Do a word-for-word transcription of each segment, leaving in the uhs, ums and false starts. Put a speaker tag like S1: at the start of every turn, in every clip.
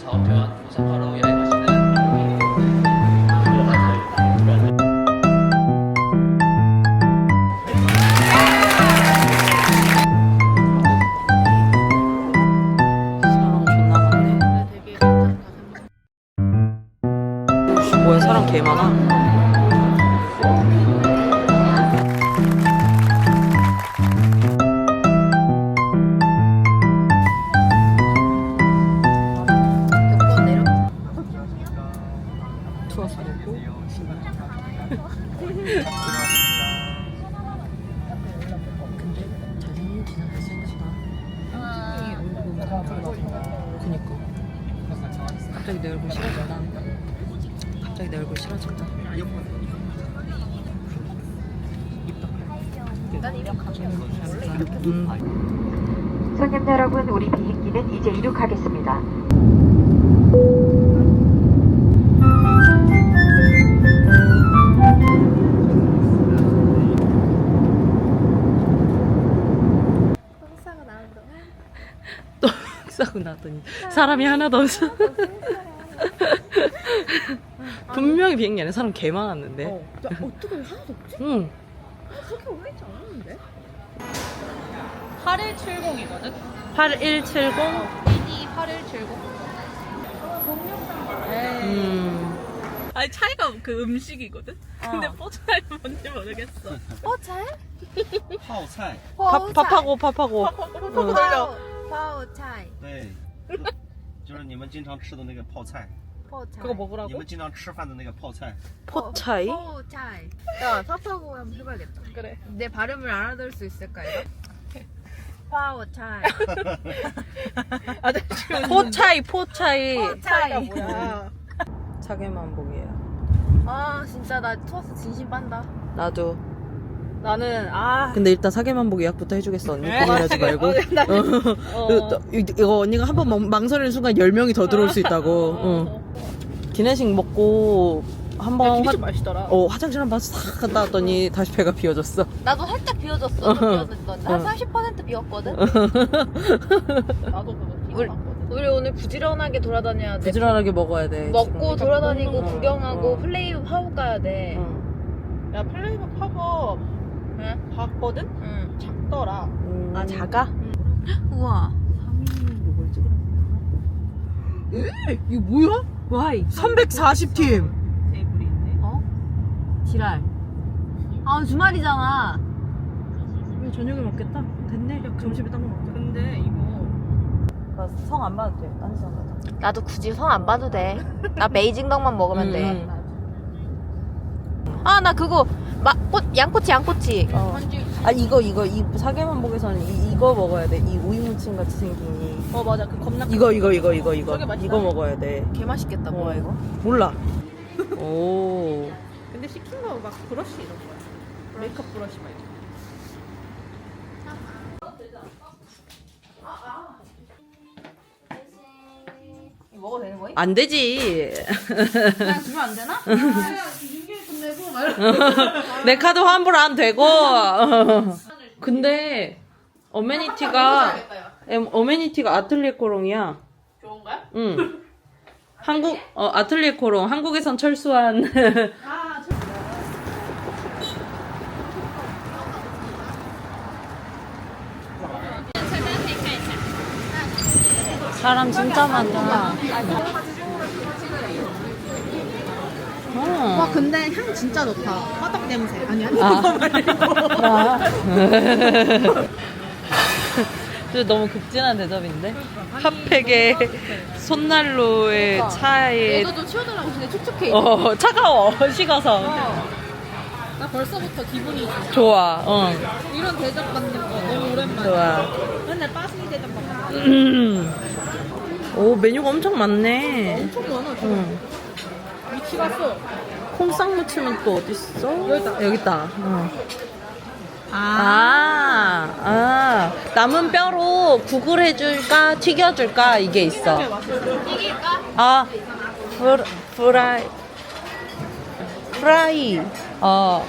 S1: 사업회원 오사카로 여행하시는
S2: 사람 존나 많네. 뭐야, 사람 개 많아. 투어서 보고. 근데 잘생긴 진짜 잘생겼다. 그니까. 갑자기 내 얼굴 싫어진다. 갑자기 내 얼굴 싫어진다. 음.
S3: 손님 여러분, 우리 비행기는 이제 이륙하겠습니다.
S2: 또 싸고 나더니 사람이 하나도 없어. 분명히 비행기 안에 사람 개 많았는데.
S4: 어, 야, 어떻게 하나도 없지?
S2: 응.
S4: 그렇게 오래 있지 않았는데?
S5: 팔일칠공이거든?
S2: 팔일칠공.
S5: 이디 팔일칠공.
S2: 음.
S5: 아니 차이가 그 음식이거든? 근데 포차이 뭔지 모르겠어.
S4: 포차이?
S6: 泡菜，
S2: 밥 밥하고 밥하고.
S5: 뽀뽀
S2: 응.
S5: 돌려.
S4: 파오차이.
S6: 对，就是你们经常吃的那个泡菜，
S4: 포차이.
S5: 그거
S6: 你
S5: 먹으라고?
S6: 们经常吃饭的那个泡菜。
S2: 포차이?
S4: 포차이. 야, 사파고 한번 해봐야겠다.
S5: 그래.
S4: 내 발음을 알아들을 수 있을까, 이거? 파오차이.
S5: 아저씨
S2: 포차이 포차이.
S5: 차이가
S4: 포차이.
S5: 뭐야?
S2: 사계만복이에요.
S4: 아, 진짜 나 투어스 진심 빤다.
S2: 나도.
S5: 나는 아
S2: 근데 일단 사계만복 예약부터 해주겠어 언니. 고민하지 말고.
S5: 어, 나-
S2: 어.
S5: 어.
S2: 이거, 이거 언니가 한 번 망설이는 순간 열 명이 더 들어올 수 있다고. 응. 기내식 먹고 한번
S5: 좀
S2: 화,
S5: 맛있더라.
S2: 어, 화장실 한 번 싹 갔다 왔더니 다시 배가 비워졌어.
S4: 나도 살짝 비워졌어. 비워졌던. 나
S2: 어.
S4: 사십 퍼센트 비웠거든?
S5: 나도 그거
S4: 우리,
S5: 기억났거든.
S4: 우리 오늘 부지런하게 돌아다녀야 돼.
S2: 부지런하게 먹어야 돼.
S4: 먹고
S2: 지금.
S4: 돌아다니고
S2: 응,
S4: 구경하고
S2: 응.
S4: 플레이 하고 가야 돼.
S2: 응.
S5: 야 플레이브 팝업
S4: 응?
S5: 봤거든?
S4: 응.
S5: 작더라.
S2: 음.
S4: 아, 작아? 우와.
S5: 이거 뭐야?
S4: 와이.
S2: 삼백사십 팀.
S5: 테이블이 있네.
S4: 어? 지랄. 아, 주말이잖아.
S2: 저녁에 먹겠다. 됐네. 점심에 딱 먹자.
S5: 근데 이거
S2: 성 안 봐도 돼. 딴 성 가자.
S4: 나도 굳이 성 안 봐도 돼. 나 베이징덕만 먹으면 돼.
S2: 음.
S4: 아, 나 그거 마, 꽃, 양꼬치, 양꼬치.
S2: 어. 아 이거 이거 이 사계만복에서는 이, 이거 먹어야 돼. 이 오이무침 같이 생긴 이.
S5: 어 맞아 그 겁나
S2: 이거 이거 이거 이거 이거
S5: 저게 맛있다.
S2: 이거 먹어야 돼.
S4: 개 맛있겠다. 뭐야 이거?
S2: 몰라. 오.
S5: 근데 시킨 거 막 브러쉬 이런 거야. 메이크업 브러쉬 막 이런
S4: 이거 먹어도 되는 거야?
S2: 안 되지.
S5: 그냥 주면 안 되나?
S2: 내 카드 환불 안 되고. 근데 어메니티가 em, 어메니티가 아틀리에 코롱이야.
S5: 좋은 거야?
S2: 응. 한국 어 아틀리에 코롱 한국에선 철수한. 사람 진짜 많다. 어.
S5: 와 근데 향 진짜 좋다. 화덕 냄새. 아니 아니
S2: 아.
S5: 그거 말고.
S2: 아. 저 너무 극진한 대접인데? 핫팩에 손난로에 차에
S5: 얘도 좀 치워달라고 근데 촉촉해.
S2: 어 차가워 식어서
S5: 나 벌써부터 기분이 좋아.
S2: 좋아 어
S5: 이런 대접 받는 거 너무 오랜만이야.
S2: 좋아.
S5: 맨날 빠스니 대접 받는
S2: 음. 오 메뉴가 엄청 많네.
S5: 엄청 많아. 지금.
S2: 응.
S5: 위치 갔어.
S2: 콩싹 무침은 또 어디 있어?
S5: 여기 있다.
S2: 여기 있다. 어. 아, 아, 남은 뼈로 국을 해줄까 튀겨줄까 이게 있어.
S5: 튀길까?
S2: 아, 프, 프라이, 프라이. 어,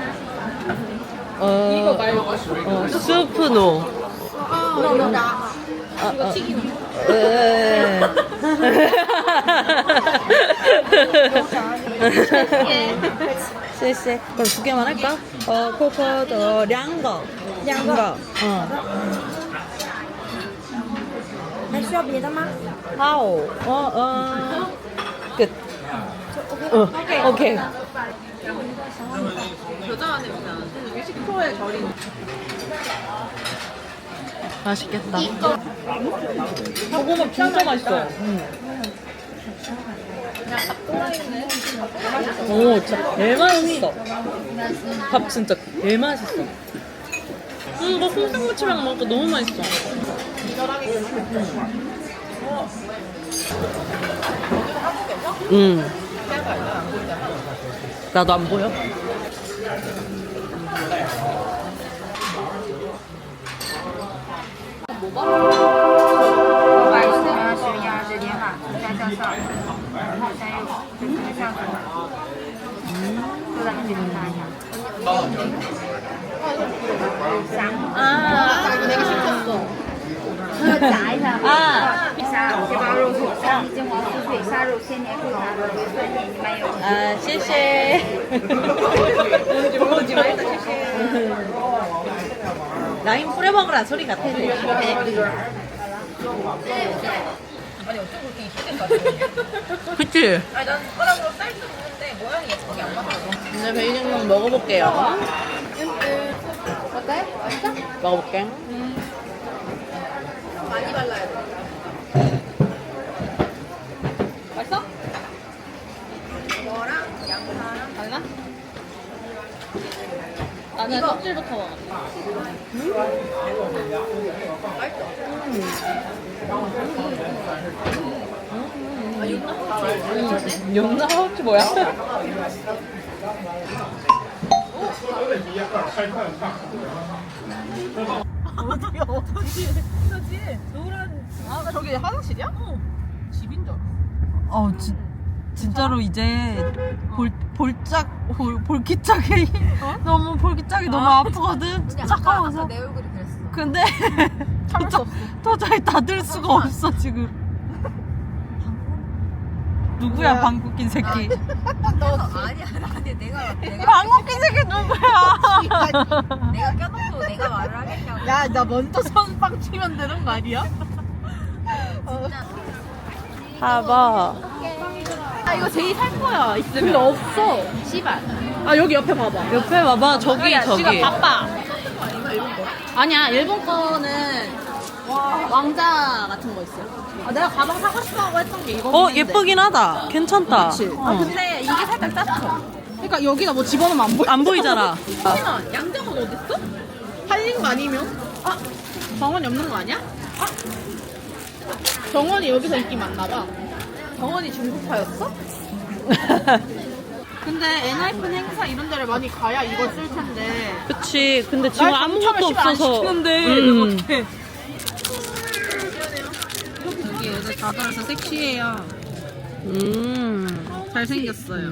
S2: 어,
S5: 이거 말고.
S2: 어, 스프노.
S5: 아, 이거
S2: 아,
S5: 이거
S2: 아.
S5: 튀기는 거.
S2: 쎄쎄. 그럼 두 개만 할까? 어, 코코도 량거. 량거. 어.
S4: 还需要别的吗？
S2: 하오. 어, 어. 끝. 어, 오케이.
S5: 겨자와 냄새 나는데 육 프로의 절인.
S2: 맛있겠다. 고구마 진짜 맛있어. 오, 진짜 개 맛있어. 밥 진짜 개 맛있어. 음, 이거 콩상무침이랑 먹으니까 너무 맛있어. 음. 나도 안 보여?
S4: 아, 내가 시켰어.
S7: 炸一下，
S2: 아,
S7: 虾蟹包肉土香金黄酥脆虾肉鲜年口拿的酸甜你们有。
S2: 아, 씨씨. 라임 뿌려 먹으라 소리 같아.
S5: 아니 어쩜 그렇게 이쁘게 까지?
S2: 그치?
S5: 아니 난 숟가락으로 쌀 수 있는데 모양이 예쁘게 안 맞아.
S2: 이제 베이징 먹어볼게요.
S7: 어때? 맛있어?
S2: 먹어볼게.
S5: 많이 발라야 돼. 맛있어? 이거랑 양파랑 달라? 나는 껍질부터 먹어.
S2: 용나 하우치 뭐야?
S5: 어디야 어디? 저지 노란. 아 저기 화장실이야? 어. 집인 줄 알았어.
S2: 어, 지, 진짜로 이제 볼, 볼짝, 볼, 볼기짝이 너무 볼기짝이 너무 아프거든. 차가워서.
S4: 내 얼굴이 그랬어.
S2: 근데 도저, 도저히 닫을 수가 없어 지금. 누구야 방귀 낀 새끼?
S4: 너 아니야, 아니 내가 내가
S2: 방귀 낀 새끼 누구야?
S4: 내가 껴놓고 내가 말을 하겠냐고.
S5: 야 나 먼저 선빵 치면 되는 거 아니야?
S2: 봐봐.
S5: 아 이거 제이 살 거야 있으면. 근데 없어.
S4: 씨발.
S5: 아 여기 옆에 봐봐.
S2: 옆에 봐봐 저기 저기.
S5: 지금 바빠. 아니야 일본 거는 왕자 같은 거 있어. 아 내가 가방 사고 싶어하고 했던 게 이거.
S2: 어 예쁘긴 하다. 괜찮다.
S5: 그치.
S2: 어.
S5: 아 근데 이게 살짝 작죠. 그러니까 여기다 뭐 집어넣으면 안 보여.
S2: 안 보이잖아.
S5: 혹시나 양정은 어딨어? 팔린 거 아니면? 아 정원이 없는 거 아니야? 아 정원이 여기서 인기 많나 봐. 정원이 중국파였어? 근데 엔하이픈 행사 이런 데를 많이 가야 이걸 쓸 텐데.
S2: 그치. 근데 지금
S5: 날
S2: 아무것도
S5: 당첨을 시간 안
S2: 없어서.
S5: 시키는데
S2: 음.
S5: 어떡해. 여기 애들 다 들어서 섹시해요.
S2: 음.
S5: 잘생겼어요.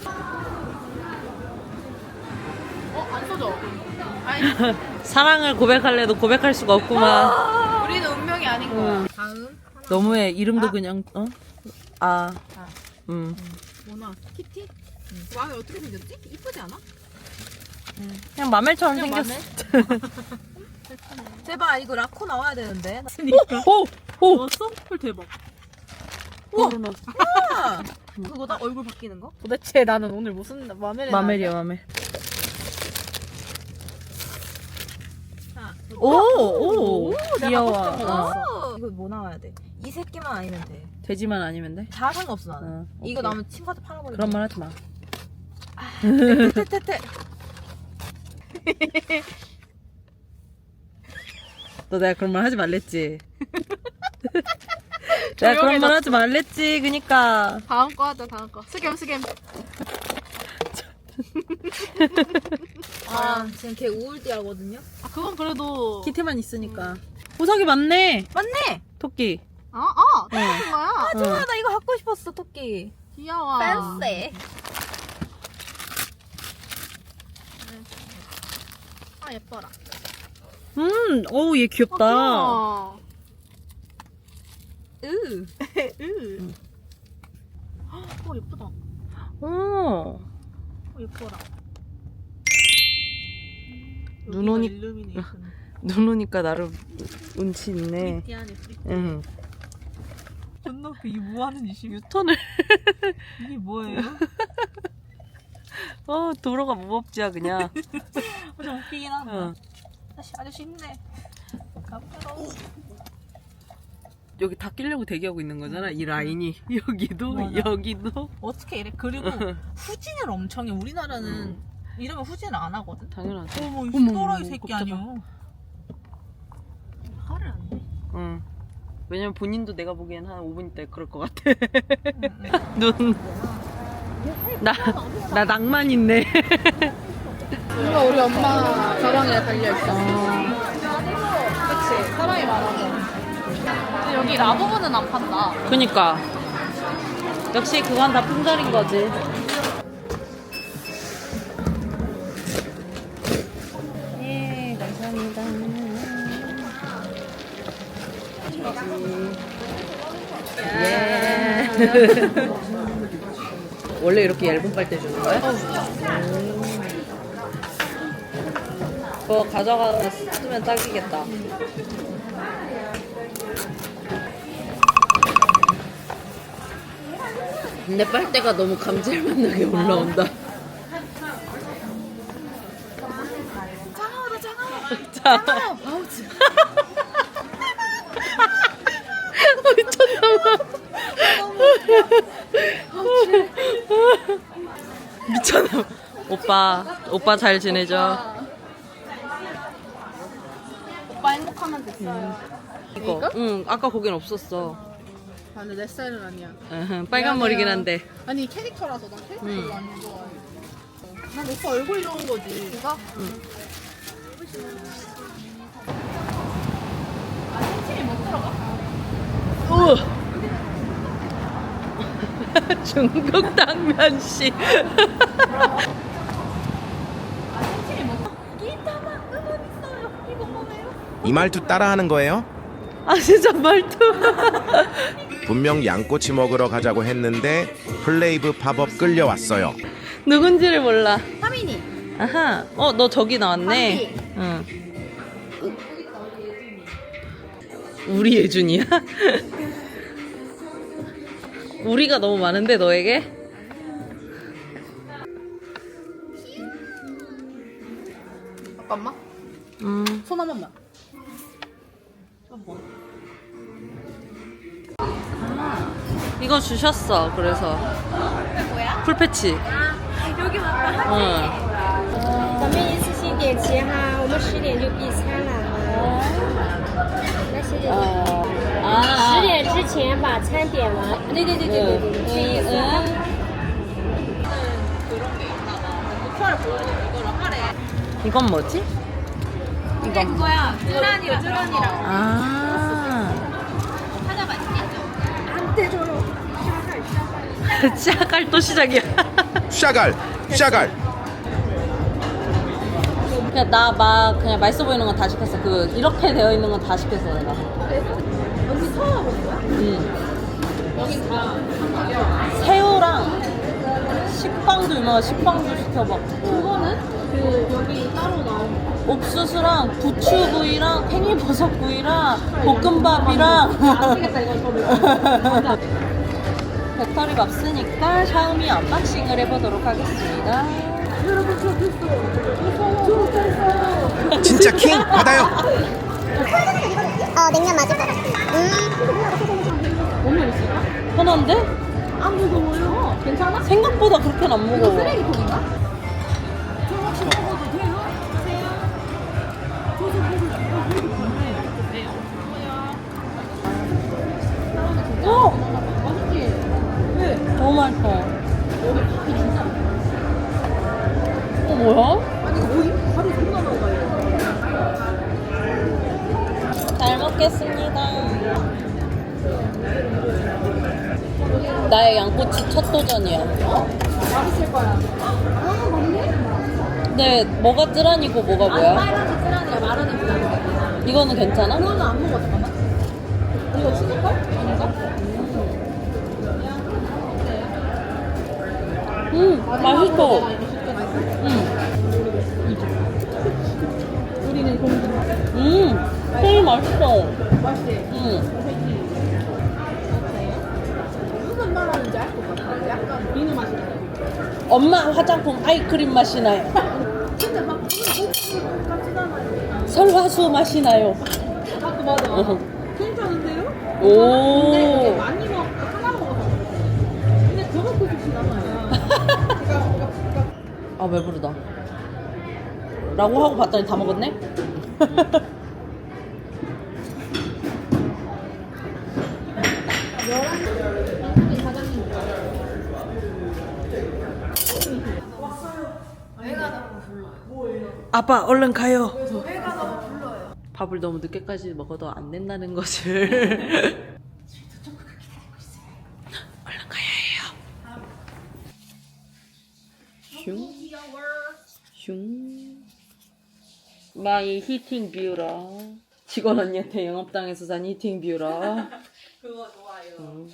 S5: 어? 안 써져. 아니
S2: 사랑을 고백할래도 고백할 수가 없구만.
S5: 우리는 운명이 아닌 거야. 다음
S2: 너무해. 이름도 그냥 어? 아. 음.
S5: 뭐나 키티? 마음에 어떻게 생겼지? 이쁘지 않아?
S2: 그냥 마멜처럼
S5: 그냥
S2: 생겼어.
S4: 제발 이거 라코 나와야 되는데.
S2: 오! 오!
S5: 넣었어? 헐 대박.
S2: 우와!
S4: 그거다 얼굴 바뀌는 거?
S5: 도대체 나는 오늘 무슨 마멜에
S2: 마멜이야 마멜.
S5: 자,
S2: 오! 오! 귀여워.
S5: 내가 깜짝
S2: 어.
S4: 어. 이거 뭐 나와야 돼? 이 새끼만 아니면 돼.
S2: 돼지만 아니면 돼?
S4: 다 상관없어 나는.
S2: 어,
S4: 이거
S2: 오케이.
S4: 나오면 친구한테 팔아버리고.
S2: 그런 말 하지 마.
S4: 테테테.
S2: 너 내가 그런 말 하지 말랬지. 내가 그런 말 하지 말랬지. 그니까.
S5: 다음 거 하자 다음 거. 스겜 스겜.
S4: 아 지금 걔 우울띠 하거든요.
S5: 아 그건 그래도
S2: 키티만 있으니까. 보석이 많네.
S4: 맞네.
S2: 토끼.
S5: 아, 아, 똑같은 거야.
S4: 아 좋아 나 이거 갖고 싶었어 토끼.
S5: 귀여워.
S4: 팬세.
S5: 아 예뻐라.
S2: 음, 어우 얘 귀엽다.
S5: 아,
S4: 으.
S5: 으. 어 예쁘다.
S2: 오.
S5: 어 예뻐라.
S2: 눈 오니-
S5: 일루미네이션.
S2: 눈 오니까 나름 운치 있네.
S5: 프리티하네 프리티.
S2: 응.
S5: 존나 웃겨. 이게 뭐 하는 짓이야?
S2: 유턴을.
S5: 이게 뭐예요?
S2: 어, 도로가 무법지야, 그냥.
S5: 어, 좀 웃기긴 하다.
S2: 어.
S5: 아저씨 아저씨 힘내. 가보자고.
S2: 여기 다 끼려고 대기하고 있는 거잖아, 이 라인이. 여기도,
S5: 맞아.
S2: 여기도.
S5: 어떻게 이래? 그리고 후진을 엄청 해. 우리나라는 이러면 후진을 안 하거든.
S2: 당연하지.
S5: 어머 이
S2: 어머,
S5: 또라이
S2: 어머,
S5: 새끼
S2: 깜짝아.
S5: 아니야. 화를 안 내.
S2: 응. 왜냐면 본인도 내가 보기엔 한 오 분 있다 그럴 것 같아. 눈. 나, 나 낭만 있네.
S5: 누가 우리 엄마 가방에 달려있어. 그치 사람이 많아서. 근데 여기 라부부는 안 판다.
S2: 그니까. 역시 그건 다 품절인 거지. 예, 감사합니다. 예. 원래 이렇게 얇은 빨대 주는 거야? 음. 그거 가져가서 쓰면 딱이겠다. 근데 빨대가 너무 감질맛 나게 올라온다. 차가워, 차가워. 미쳤나봐. 미쳤나. 오빠, 오빠 잘 지내죠?
S5: 오빠 행복하면 됐어요.
S2: 이거? 응, 아까 거긴 없었어.
S5: 아, 근데 내 스타일은 아니야.
S2: 으흠, 빨간 머리긴 한데.
S5: 아니 캐릭터라서 난 캐릭터
S2: 응.
S5: 별로 안 좋아해. 난 오빠 얼굴 좋은 거지. 이거? 응. 아, 팬티에 못 들어가?
S2: 우! 중국 당면씨.
S8: 이 말투 따라하는 거예요?
S2: 아, 진짜 말투.
S8: 분명 양꼬치 먹으러 가자고 했는데 플레이브 팝업 끌려왔어요.
S2: 누군지를 몰라.
S7: 하민이.
S2: 아하. 어, 너 저기 나왔네. 응. 우리 예준이야? 우리가 너무 많은데 너에게?
S5: 잠깐만.
S2: 음.
S5: 손 한 번만.
S2: 이거 주셨어. 그래서. 뭐야? 풀패치.
S7: 여기 왔다.
S2: 응.
S7: 咱们一次性点齐哈，我们十点就闭餐了哈。那十点，
S2: 아.
S7: 十点之前把餐点完。对对对对对对，这意思。
S2: 이건 뭐지?
S5: 이건 그거야. 쯔란이랑 쯔란이랑.
S2: 아.
S5: 찾아봐.
S2: 시작할 또 시작이야.
S8: 샤갈! 샤갈!
S2: 그냥 나 막 그냥 맛있어 보이는 건 다 시켰어. 그 이렇게 되어 있는 건 다 시켰어 내가.
S5: 여기 처음 와본 거야?
S2: 응.
S5: 여기 다.
S2: 새우랑 식빵도 유명한 식빵도 시켜봤고.
S5: 그거는 그 여기 따로 나온 거.
S2: 옥수수랑 부추구이랑 팽이버섯구이랑 볶음밥이랑.
S5: 아시겠다 이거 저를.
S2: 배터리가 없으니까 샤오미 언박싱을 해보도록 하겠습니다.
S8: 진짜 킹! 받아요!
S9: 어, 냉면 맞을 것 같아. 음.
S5: 오늘 있을까?
S2: 편한데?
S5: 안 무거워요. 괜찮아?
S2: 생각보다 그렇게는 안 무거워.
S5: 쓰레기통인가? 저 혹시 먹어도 돼요?
S2: 어!
S5: 맛있지? 왜?
S2: 너무 맛있어.
S5: 여기 밥이 진짜
S2: 어, 뭐야?
S5: 아니 이거 뭐임? 밥이 존나 나와요.
S2: 잘 먹겠습니다. 나의 양꼬치 첫 도전이야.
S5: 맛있을 거야. 아 맞네?
S2: 근데 뭐가 쯔란이고 뭐가 뭐야?
S5: 빨간색 쓰라니야 마르는 거.
S2: 이거는 괜찮아?
S5: 그거는 안 먹어 잠깐만. 이거 치즈컵? 아닌가?
S2: 음, 맛있어.
S5: 우리는 공주.
S2: 음, 콩이 맛있어.
S5: 맛있지?
S2: 음.
S5: 무슨 맛 나는지 알 것 같아. 약간 비누 맛이 나요.
S2: 엄마 화장품 아이크림 맛이 나요.
S5: 진짜 막 같이 나요.
S2: 설화수 맛이 나요.
S5: 아, 그 맞아.
S2: 어.
S5: 괜찮은데요?
S2: 오.
S5: 근데 그게 많이 먹, 하나 먹어서. 근데 저거 그 좋지 않아요.
S2: 아 배부르다. 라고 하고 봤더니 다 먹었네? 아빠 얼른 가요. 밥을 너무 늦게까지 먹어도 안 된다는 것을 얼른 가야 해요. 슝. 슝. 마이 히팅 뷰라. 직원 언니한테 영업당해서 산 히팅 뷰라.
S5: 그거 좋아요.
S2: 음.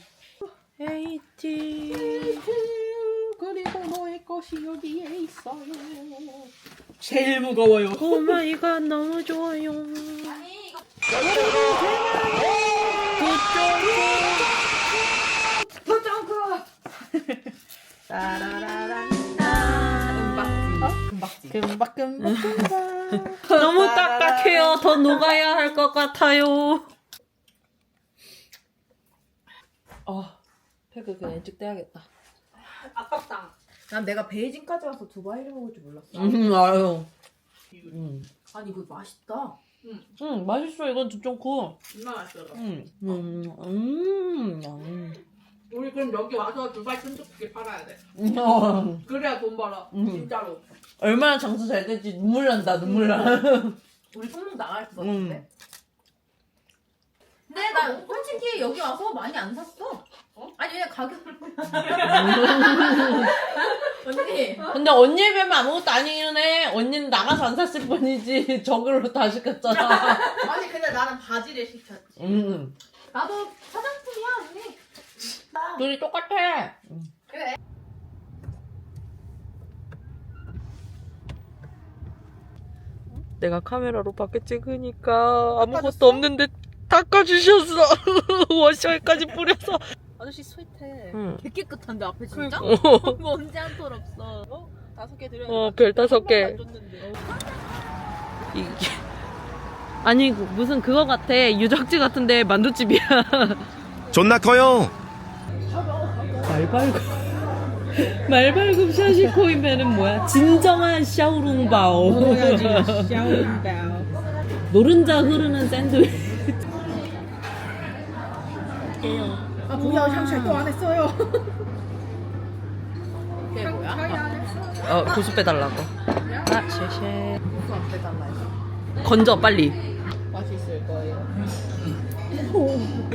S2: 헤이팅.
S5: 그리고 너의 것이 여기에 있어요.
S2: 제일 무거워요. 오 마이 갓 너무 좋아요. 아니 이거
S5: 금박지. 금박, 금박, 금박.
S2: 너무 딱딱해요. 더 녹아야 할 것 같아요. 아, 팩을 그냥 일찍 떼야겠다.
S5: 아깝다. 난 내가 베이징까지 와서 두바이를 먹을 줄 몰랐어.
S2: 음, 알아요. 음,
S5: 아니 이거 맛있다.
S2: 음, 맛있어. 이건 좀 고.
S5: 정말 맛있어.
S2: 음, 음, 음, 음.
S5: 우리 그럼 여기 와서 두바이 쫀득하게 팔아야 돼.
S2: 어,
S5: 그래야 돈 벌어.
S2: 음.
S5: 진짜로.
S2: 얼마나 장사 잘 될지 눈물 난다. 눈물 나.
S5: 우리 손목 나갈 것
S2: 음.
S5: 같은데. 근데 나 솔직히 여기 와서 많이 안 샀어. 어? 아니 그냥 가격. 언니.
S2: 근데 언니 뵈면 아무것도 아니긴 해. 언니는 나가서 안 샀을 뿐이지. 저걸로 다 시켰잖아.
S5: 아니 근데 나는 바지를 시켰지.
S2: 음.
S5: 나도 화장품이야 언니.
S2: 둘이 똑같아.
S5: 그래.
S2: 내가 카메라로 밖에 찍으니까 아무것도 없는데 닦아주셨어. 워셔까지 뿌려서.
S5: 아저씨 스윗해.
S2: 응.
S5: 되게 깨끗한데 앞에 진짜?
S2: 어,
S5: 먼지 한 톨 없어. 어? 다섯 개 드려야
S2: 어, 별 다섯 개.
S5: 안 줬는데.
S2: 이게 아니 무슨 그거 같아. 유적지 같은데 만두집이야.
S8: 존나 커요.
S2: 말발굽 말발굽 샤시코이면은 뭐야? 진정한 샤오룽바오. 노른자 흐르는 샌드위치.
S5: 아 뭐야 샹샤이 또 안 했어요. 그게 뭐야?
S2: 어 고수 빼달라고. 아 쉐쉐.
S5: 고수 안 빼달라 해서.
S2: 건져 빨리.
S5: 맛있을 거예요. 음.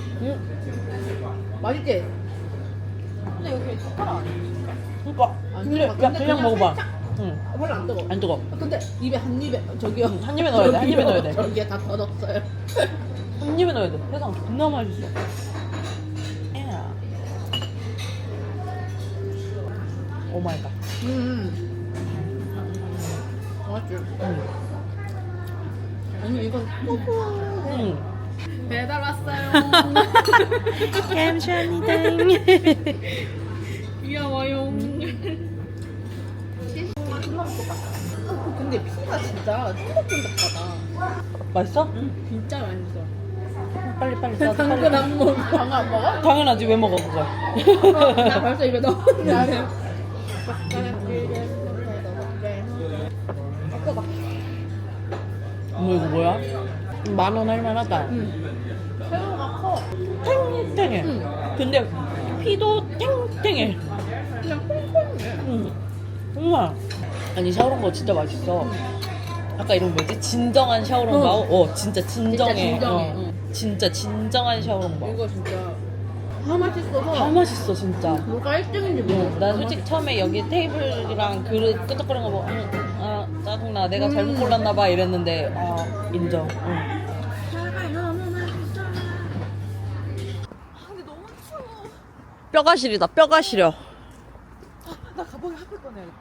S5: 맛있지? 근데 여기 젓가락 안 해.
S2: 그니까
S5: 안
S2: 그냥,
S5: 뜨거워.
S2: 야, 그냥 먹어봐.
S5: 살짝-
S2: 응.
S5: 아, 별로 안 뜨거.
S2: 안 뜨거.
S5: 아, 근데 입에 한 입에 저기요.
S2: 한 입에 넣어야 돼. 한 입에 넣어야 돼.
S5: 저기에 다 터졌어요.
S2: 한 입에 넣어야 돼. 세상 존나 맛있어. 오 마이 갓.
S5: 음. 맛있지. 언니 이건
S2: 응.
S5: 배달 왔어요.
S2: 감사합니다.
S5: 귀여워요. 근데 피가 진짜 쫀득쫀득하다.
S2: 맛있어?
S5: 응, 진짜 맛있어.
S2: 빨리 빨리 싸.
S5: 당근 안 먹어. 당근 안 먹어?
S2: 당연하지. 왜 먹어 그걸?
S5: 나 벌써 입에 넣었는데.
S2: 어머 이거 뭐야? 만 원 할만하다.
S5: 새우가 커.
S2: 탱탱해.
S5: 응.
S2: 근데 피도 탱탱해.
S5: 그냥 콩콩해.
S2: 응. 정말. 아니 샤오롱바오 진짜 맛있어. 아까 이름 뭐지? 진정한 샤오롱바오? 어, 진짜 진정해.
S5: 진짜 진정해.
S2: 어.
S5: 응.
S2: 진짜 진정한 샤오롱바오.
S5: 이거 진짜 다 맛있어서
S2: 다 맛있어 진짜.
S5: 뭐가 일 등인지 모르겠어.
S2: 나 솔직히 처음에 여기 테이블이랑 그릇 끄적거리는 거 보고 응, 아 짜증나 내가 잘못 골랐나 봐 이랬는데 아 인정. 응. 뼈가 시리다. 뼈가 시려.
S5: 나 가방에 핫팩 꺼내야겠다.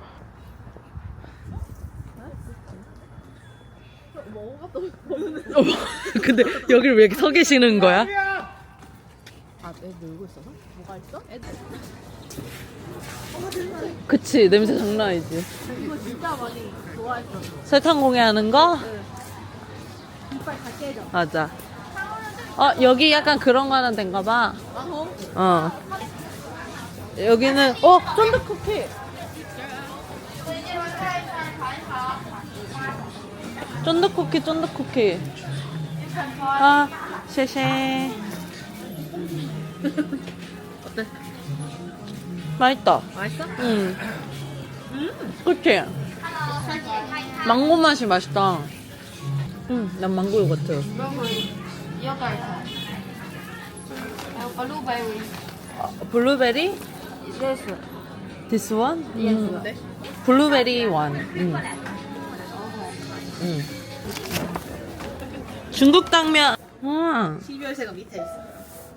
S2: 어, 근데 여기를 왜 서 계시는 거야?
S5: 아, 애 놀고 있어서? 뭐가 있어? 애들.
S2: 그치, 냄새 장난 아니지.
S5: 이거 진짜 많이 좋아했어.
S2: 설탕공예 하는 거?
S5: 이빨 다 깨져.
S2: 맞아. 어, 여기 약간 그런 거 하는 데인가 봐.
S5: 아, 어?
S2: 어. 여기는, 어, 쫀득쿠키. 쫀득쿠키, 쫀득쿠키. 아, 쉐쉐.
S5: 어때?
S2: 맛있다.
S5: 맛있어?
S2: 응. 그치? 망고 맛이 맛있다. 응, 난 망고 요거트.
S7: 블루베리.
S2: 어, 블루베리?
S7: Yes.
S2: This one? 음.
S5: 네?
S2: 블루베리 원. 응. 응. 중국 당면. 음.
S5: 십이월새가 밑에 있어.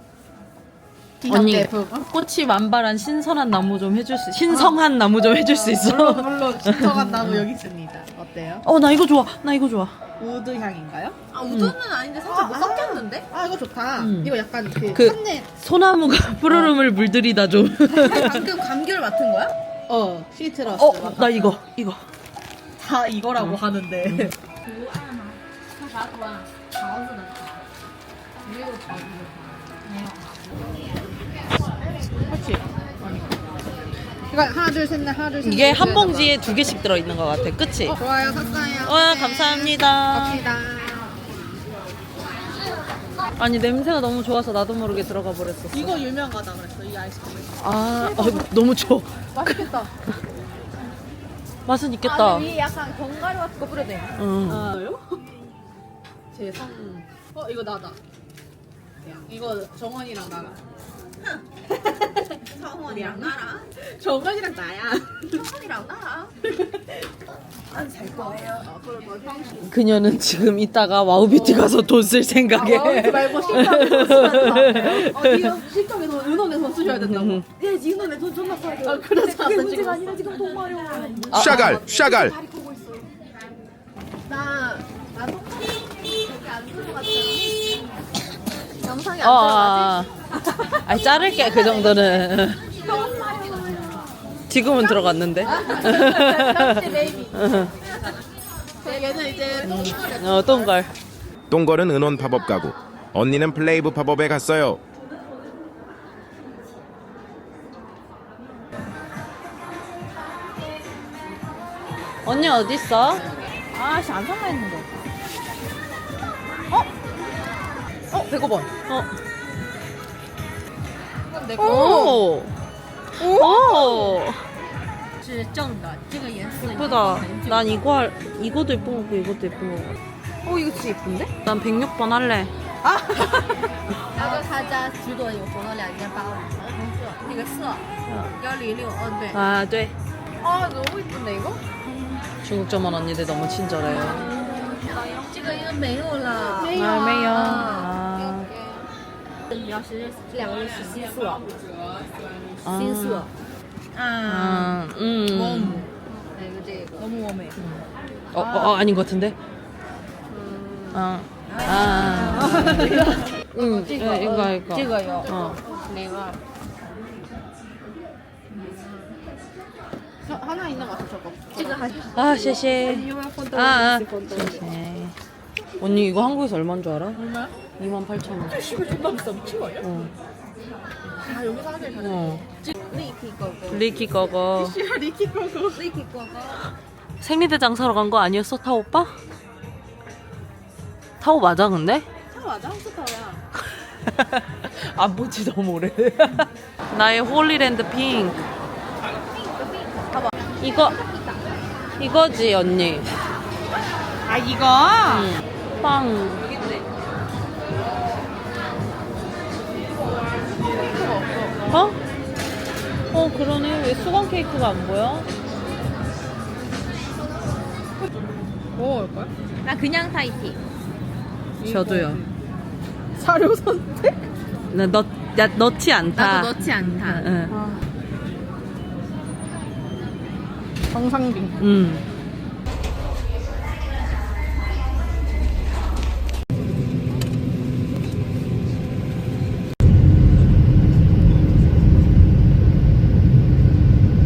S2: 언니, 꽃이 만발한 신선한 나무 좀 해줄 수, 신성한 나무 좀 해줄 수 있어?
S5: 물론, 물론, 진정한 나무 여기 있습니다. 어때요?
S2: 어, 나 이거 좋아. 나 이거 좋아.
S5: 우드 향인가요? 아, 우드는 아닌데 살짝 뭐 섞였는데? 아, 이거 좋다.
S2: 음.
S5: 이거 약간 그,
S2: 그-
S5: 칸네.
S2: 소나무가 푸르름을 물들이다 좀.
S5: 방금 감귤 맡은 거야? 어, 시트러스.
S2: 어, 나 이거, 이거.
S5: 다 이거라고 하는데.
S7: 喝啥图案？桃子的桃，没有桃子的桃，没有。
S5: 그렇지. 이거 하나, 둘, 셋, 넷, 하나, 둘, 셋, 넷.
S2: 이게 한 봉지에 두 개씩 들어있는 것 같아. 그치?
S5: 어, 좋아요, 샀어요.
S2: 와, 감사합니다.
S5: 갑시다.
S2: 아니, 냄새가 너무 좋아서 나도 모르게 들어가 버렸어.
S5: 이거 유명하다 그랬어, 이 아이스크림.
S2: 아, 어, 너무 좋아.
S5: 맛있겠다.
S2: 맛은 있겠다.
S4: 위에 약간 견과류 같은 거 뿌려도 돼.
S2: 응.
S5: 아요? 제 상. 어, 이거 나다. 이거 정원이랑 나랑. 정원이랑 나랑? 정원이랑 나야. 정원이랑 나랑? 안 살 거예요. 아, 그럼 뭐 형식.
S2: 그녀는 지금 이따가 와우뷰티 가서 돈 쓸 생각에.
S5: 와우뷰티 말고 식당에 돈 쓰면서. 어, 이거 식당에 돈, 은원에 돈 쓰셔야 된다고. 예, 은원에 돈 존나 써야 돼. 아, 그래서 그게 문제가 아니라 지금 돈 마려워.
S8: 샤갈, 샤갈.
S5: 나, 나 똑같이 여기 안 들어갔잖아. 영상이 안
S2: 어,
S5: 들어가지?
S2: 아, 아니, 자를게, 그 정도는. 지금은 들어갔는데.
S5: 베이비. 얘는 이제 똥거리.
S2: 어, 똥걸.
S8: 똥걸은 은원 팝업 가구. 언니는 플레이브 팝업에 갔어요.
S2: 언니 어딨어?
S4: 아씨 안 살라 했는데.
S5: 어, 백오 번.
S2: 어.
S4: 오.
S2: 오. 오.
S7: 是正的，这个颜色
S2: 예쁘다. 난 이거 할, 이것도 예쁜 거고 이것도 예쁜 거고.
S5: 어, 이거 진짜 예쁜데?
S2: 난 백육 번 할래.
S7: 然后他家橘朵有红的两件八五，桃红色，那个色幺零六，嗯对。
S2: 아, 돼.
S5: 아, 너무 예쁜데, 이거?
S2: 중국 점원 언니들 너무 친절해요.
S7: 这个应该没有了。
S2: 아, 매요. 아.
S7: 你要是这两个是新色，
S2: 아.
S7: 新色，
S2: 아, 음.
S7: 还有这个。
S5: 너무 웜해.
S2: 어, 어, 어, 아닌 것 같은데? 아. 아. 응, 네, 이거, 이거.
S7: 这个有
S2: 어.
S7: 哪个？
S5: 저, 하나 있는 것 같아, 저거.
S7: 这个还是
S2: 아, 쉐쉐. 아, 아. 쉐쉐. 언니, 이거 한국에서 얼마인 줄 알아?
S5: 얼마야?
S2: 이만 팔천 원.
S5: 이거 존나 비싸. 미친 거 아니야?
S2: 어.
S5: 아, 여기 사람들이 다
S2: 어.
S7: 리키 거고，
S2: 리키 거거.
S5: 씨발, 리키 거고.
S7: 리키 거고。
S2: 생리대장 사러 간 거 아니었어, 타오 오빠? 타오 맞아, 근데?
S5: 차 맞아? 스타야.
S2: 안 본지 너무 오래돼. 나의 홀리랜드 핑크.
S5: 봐봐.
S2: 이거, 이거지, 언니.
S5: 아, 이거?
S2: 응. 빵. 어? 어, 그러네. 왜 수건 케이크가 안 보여?
S5: 뭐 먹을걸?
S4: 나 그냥 타이티.
S2: 저도요.
S5: 사료 선택?
S2: 나 너 야, 넣지 않다.
S4: 나도 넣지 않다.
S2: 응.
S5: 정상빙.
S2: 응.